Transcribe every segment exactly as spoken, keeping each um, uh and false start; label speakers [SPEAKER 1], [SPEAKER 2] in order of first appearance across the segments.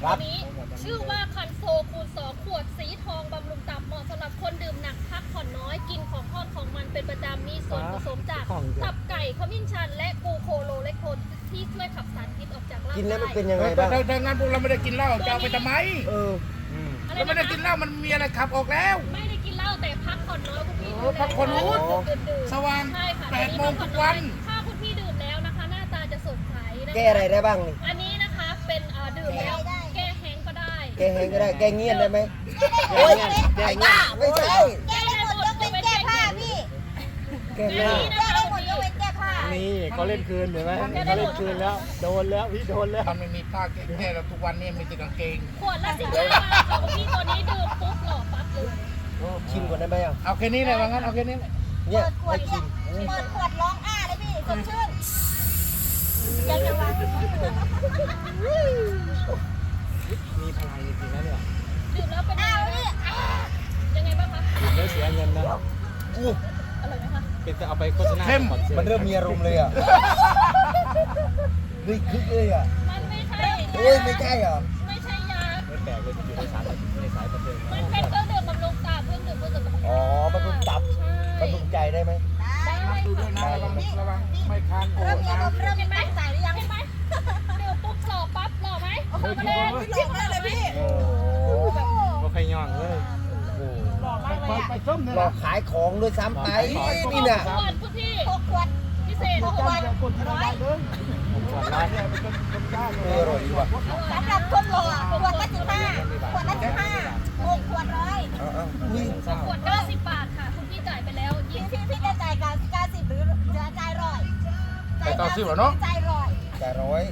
[SPEAKER 1] ตัวนี้ชื่อว่าคันโซคูณสองขวดสีทองบำรุงตับเหมาะสำหรับคนดื่มหนักพักผ่อนน้อยกินของทอดของมันเป็นประจำมีส่วนผสมจากตับไก่ขมิ้นชันและกูโคโลเลโคนที่ช่วยขับสารพิษออกจากร่างกาย
[SPEAKER 2] กินแล้วมันเป็นยังไงบ้าง
[SPEAKER 3] ถ้างั้นพวกเราไม่ได้กินเหล้าจะเอาไปทำไม
[SPEAKER 2] เออ
[SPEAKER 3] เราไม่ได้กินเหล้ามันมีอะไรขับออกแล้ว
[SPEAKER 1] ไม่ได้กินเหล้าแต่พักผ่อนน้อยคุณพี่
[SPEAKER 3] พักผ่อนน้อยสว่างแปดโมงทุกวัน
[SPEAKER 1] ถ้าคุณพี่ดื่มแล้วนะคะหน้าตาจะสดใสนะคะ
[SPEAKER 2] แก้อะไรได้บ้างนี่
[SPEAKER 1] อันนี้นะคะเป็นดื่มแล้วแก้แห้งก็ได้
[SPEAKER 2] แก้แห้งก็ได้แก้เงียนได้ไหมโอ้ยแก้เงียนไม่ใช่
[SPEAKER 4] แก้ได้หมดยกเว้นแก้ผ้าพี่
[SPEAKER 2] แก้ไม่
[SPEAKER 4] แก้ได้หมดยกเว้นแก้ผ้า
[SPEAKER 5] นี่เขาเล่นคืนเห็นไหมเขาเล่นคืนแล้วโดนแล้วพี่โดนแล้ว
[SPEAKER 3] มันไม่มีผ้าแก้แล้วทุกวันนี้มีแต่กางเกง
[SPEAKER 1] ขวดละสิบห้าบาทค่ะพี่ตัวนี้ดื่มปุ๊บหล่อปั๊บเลย
[SPEAKER 2] ชิมก่อนได้ไหมอ่ะ
[SPEAKER 3] เอาแค่นี้เลยว่างั้นเอาแค่นี้
[SPEAKER 2] เนี่ย
[SPEAKER 4] ขวดชิมเปิดขวดร้องอ้าเลยพี่สดชื่นยังจะวาง
[SPEAKER 5] มีพลังจริงๆนะเนี่ย
[SPEAKER 1] ดื่มแล้วเป็นยังไงยังไงบ้างคะ
[SPEAKER 5] ดื่มแล้วเสียเงินนะ
[SPEAKER 2] อู้
[SPEAKER 1] อร่อยไหมคะ
[SPEAKER 5] เป็นจะเอาไปโฆษณา
[SPEAKER 2] มันเริ่มมีอารมณ์เลยอ่ะเฮ้ยคึกเลยอ่ะ
[SPEAKER 1] มันไม่ใช่
[SPEAKER 2] โอ้ยไม่ใช่เหรอ
[SPEAKER 1] ไม่ใช่ยา
[SPEAKER 5] ไม่แปลกเลยที่อยู่ในสายในสายบันเทิง
[SPEAKER 1] มันเป็นเครื่องดื่มบำรุงตับเครื่องดื่มเพื่อสุขภาพ
[SPEAKER 2] อ๋อบำรุงตับบำรุงใจได้ไหม
[SPEAKER 1] ได้
[SPEAKER 3] ดูด้วยนะระวังระวังไม่คานโอ้
[SPEAKER 4] เริ่มมี
[SPEAKER 3] นะ
[SPEAKER 4] อารมณ์เริ่มมีตั้งใจหรือยัง
[SPEAKER 1] เห็นไหมดื่มปุ๊บหล่อปั๊บหล่อไหมหล่อมาเลย
[SPEAKER 4] หลงเลยพี่
[SPEAKER 5] ก็ใครย่องเลย
[SPEAKER 3] ไปไปส้มเนี่ย
[SPEAKER 2] หลอกขายของด้วยซ้ำไปนี่น่ะ
[SPEAKER 1] ขวดคุณพี่
[SPEAKER 4] หกขวด
[SPEAKER 1] พิเศษหกขวด
[SPEAKER 3] คนที่ได้เลยผมขอร้านเนี่ยมันเป็นคนกล้าเล
[SPEAKER 2] เออย อร่อยดีว่ะ
[SPEAKER 4] สำหรับคนหล่อขวดละสิบห้าขวดละสิบห้าหกขวดร้อย
[SPEAKER 2] เอาเอาอุ้ย
[SPEAKER 1] ขวดเก้าสิบบาทค่ะคุณพี่จ่ายไปแล้ว
[SPEAKER 4] พี่
[SPEAKER 1] ยี่สิบ
[SPEAKER 4] พี่พี่จะจ่ายกับเก้าสิบหรือจะจ่ายร้อยจ่ายเก้าสิบเหรอเนาะจ่ายร้อย
[SPEAKER 2] จ่ายร้อย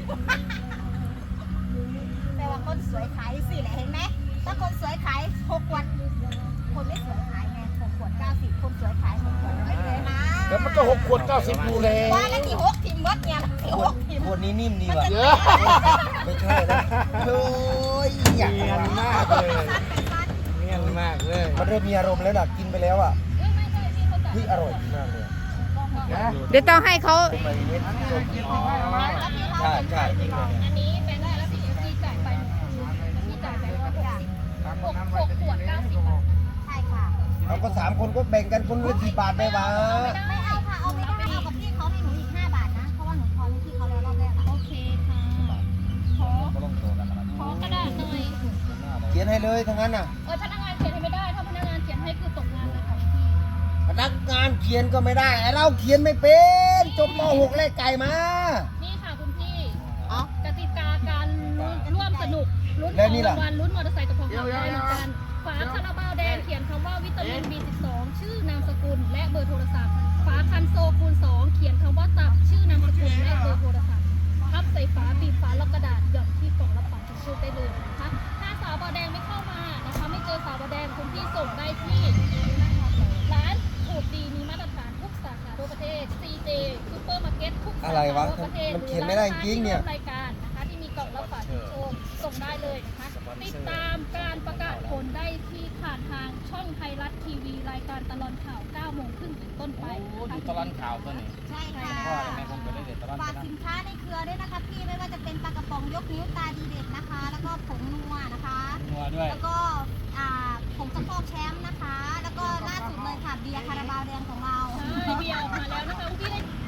[SPEAKER 4] แปลว่าคนสวยขายสิแหละเห็นไหมถ้าคนสวยขายหกขวดคนไม่สวยขายไงหกขวดเก้าสิบคนสวยขายหกขวดร้อยเลยนะ
[SPEAKER 3] แล้วมันก็หกขวดเก้าสิบดูเลย
[SPEAKER 4] ว่าแล้วที่หกทิมมดเนี่ยที่หกทิม
[SPEAKER 2] ขวดนี้นิ่มดีว่ะ
[SPEAKER 3] เยอะ
[SPEAKER 2] ไม่ใช่นะโอ้ยอยาก
[SPEAKER 5] เนียนมากเลยเนียนมากเลย
[SPEAKER 2] มันเริ่มมีอารมณ์แล้วน่ะกินไปแล้วอ่ะ
[SPEAKER 1] ไม่ใช่พี่เขาจ่าย
[SPEAKER 2] เฮ้ยอร่อยมากเลย
[SPEAKER 6] เดี๋ยวต้องให้เขา
[SPEAKER 2] เป็นมาเม็ดส้มใช่ใช่จริงเลย
[SPEAKER 1] อันนี้แบงค์ได้แล้วพี่พี่จ่ายไปพี่จ่ายไปร้อยหกสิบหกหกขวดเก้าสิบบาท
[SPEAKER 4] ใช่ค่ะ
[SPEAKER 2] เอาก็สามคนก็แบ่งกันคนละกี่บาทไปวะ
[SPEAKER 4] ไม่เอาค่ะเอาไม่ได้เอากับพี่เขาให้หนูอีกห้าบาทนะเพราะว่าหนูทอนให้พี่เขาแล้วรอบแรก
[SPEAKER 1] โอเคค่ะขอขอกระดาษหน่อย
[SPEAKER 2] เขียนให้เลยทั้งนั้นน่ะ
[SPEAKER 1] เออพนักงานเขียนให้ไม่ได้ถ้าพนักงานเขียนให้คือตกงานเลยค่ะพี่
[SPEAKER 2] พนักงานเขียนก็ไม่ได้ไอ้เราเขียนไม่เป็นจบม หก เลขไก่มา
[SPEAKER 1] นี่ค่ะคุณพี่กติกาการร่วมสนุกลุ้น
[SPEAKER 2] แล้
[SPEAKER 1] ข
[SPEAKER 2] ว
[SPEAKER 1] อง
[SPEAKER 2] นี่ล่ะ
[SPEAKER 1] รางวัลลุ้นมอเตอร์ไซค์กับทองคำได้เหมือนกันฝาคาราบาวแดงเขียนคำว่าวิตามิน บี สิบสอง ชื่อนามสกุลและเบอร์โทรศัพท์ฝาคันโซคูณสองเขียนคำว่าตับชื่อนามสกุลและเบอร์โทรศัพท์พับใส่ฝาบีบฝาล็อกกระดาษหย่อนที่กล่องรับฝากชุดได้เลยนะคะถ้าสาวบอแดงไม่เข้ามานะคะไม่เจอสาวบอแดงคุณพี่ส่งได้ที่ร้านถูกดีมีมาตรฐานทุกสาขาทั่วประเทศ ซี เจ ซูเปอร์มาร์เก็ตทุกสา
[SPEAKER 2] อะไร
[SPEAKER 1] ขาว
[SPEAKER 2] ะ
[SPEAKER 1] ทั่วประเทศ
[SPEAKER 2] มันเขียนไม่ได้จริงเนี่ย
[SPEAKER 1] รายการนะคะที่มีกล่องรับฝากชุดโชมส่งได้เลยนะคะติดตามการประกาศผลได้ที่ผ่านทางช่องไทยรัฐทีวีรายการตลอดข่าวเก้าโมงครึ่งเป็นต้นไป
[SPEAKER 3] โอ้
[SPEAKER 1] นะคะ
[SPEAKER 3] ดูตลอดข่าวตัวนี้
[SPEAKER 4] ใช่ค่ะ
[SPEAKER 3] พ่อแม่ผมก็ได้เด็ดตลอด
[SPEAKER 4] ฝากสินค้าในเครือด้วยนะคะพี่ไม่ว่าจะเป็นปลากระป๋องยกนิ้วตาดีเด็ดนะคะ แล้วก็ผงนัวนะคะ
[SPEAKER 3] นัวด้วย
[SPEAKER 4] แล้วก็อ่าผงสะโพกแชมป์นะคะ แล้วก็ล่าสุดเลยค่ะเบียร์คาราบาวแดงของเรา
[SPEAKER 1] ใช่เบียร์ออกมาแล้วนะคะคุณพี่ได้